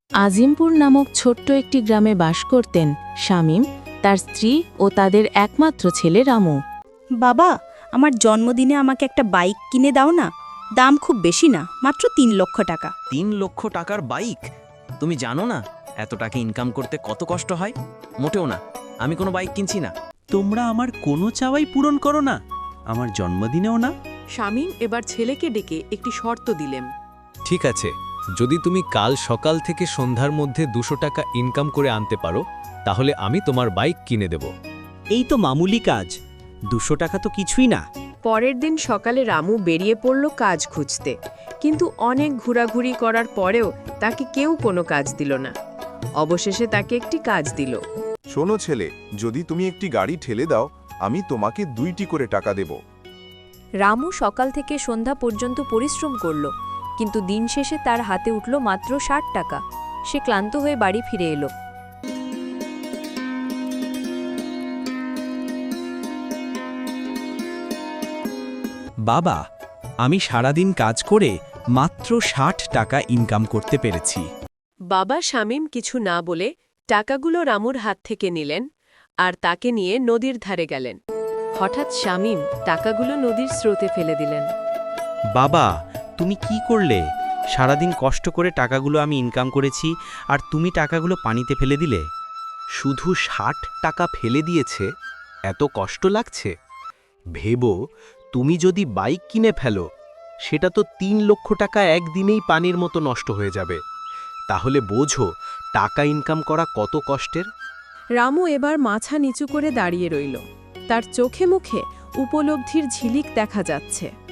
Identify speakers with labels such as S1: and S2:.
S1: আজিমপুর নামক ছোট্ট একটি গ্রামে বাস করতেন শামীম, তার স্ত্রী ও তাদের একমাত্র ছেলে রামু।
S2: বাবা, আমার জন্মদিনে আমাকে একটা বাইক কিনে দাও না। দাম খুব বেশি না, মাত্র ৩ লক্ষ টাকা।
S3: ৩ লক্ষ টাকার বাইক? তুমি জানো না এত টাকা ইনকাম করতে কত কষ্ট হয়? মোটেও না, আমি কোনো বাইক কিনছি না।
S4: তোমরা আমার কোনো চাওয়াই পূরণ করো না, আমার জন্মদিনেও না।
S5: শামীম এবার ছেলেকে ডেকে একটি শর্ত দিলেন।
S6: ঠিক আছে, যদি তুমি কাল সকাল থেকে সন্ধ্যার মধ্যে ২০০ টাকা ইনকাম করে আনতে পারো, তাহলে আমি তোমার বাইক কিনে দেব।
S4: এই তো মামুলি কাজ, ২০০ টাকা তো কিছুই না।
S5: পরের দিন সকালে রামু বেরিয়ে পড়ল কাজ খুঁজতে, কিন্তু অনেক ঘোরাঘুরি করার পরেও তাকে কেউ কোনো কাজ দিল না। অবশেষে তাকে একটি কাজ দিল।
S7: শোনো ছেলে, যদি তুমি একটি গাড়ি ঠেলে দাও, আমি তোমাকে ২টি করে টাকা দেব।
S8: রামু সকাল থেকে সন্ধ্যা পর্যন্ত পরিশ্রম করল, কিন্তু দিন শেষে তার হাতে উঠল মাত্র ৬০ টাকা। সে ক্লান্ত হয়ে বাড়ি ফিরে এলো।
S4: বাবা, আমি সারাদিন কাজ করে মাত্র ৬০ টাকা ইনকাম করতে পেরেছি।
S5: বাবা শামীম কিছু না বলে টাকাগুলো রামুর হাত থেকে নিলেন আর তাকে নিয়ে নদীর ধারে গেলেন। হঠাৎ শামীম টাকাগুলো নদীর স্রোতে ফেলে দিলেন।
S9: বাবা, তুমি কি করলে? সারাদিন কষ্ট করে টাকাগুলো আমি ইনকাম করেছি, আর তুমি টাকাগুলো পানিতে ফেলে দিলে।
S10: শুধু ৬০ টাকা ফেলে দিয়েছে, এত কষ্ট লাগছে? ভেবো, তুমি যদি বাইক কিনে ফেলো, সেটা তো ৩ লক্ষ টাকা একদিনেই পানির মতো নষ্ট হয়ে যাবে। তাহলে বোঝো টাকা ইনকাম করা কত কষ্টের।
S5: রামু এবার মাথা নিচু করে দাঁড়িয়ে রইল। তার চোখে মুখে উপলব্ধির ঝিলিক দেখা যাচ্ছে।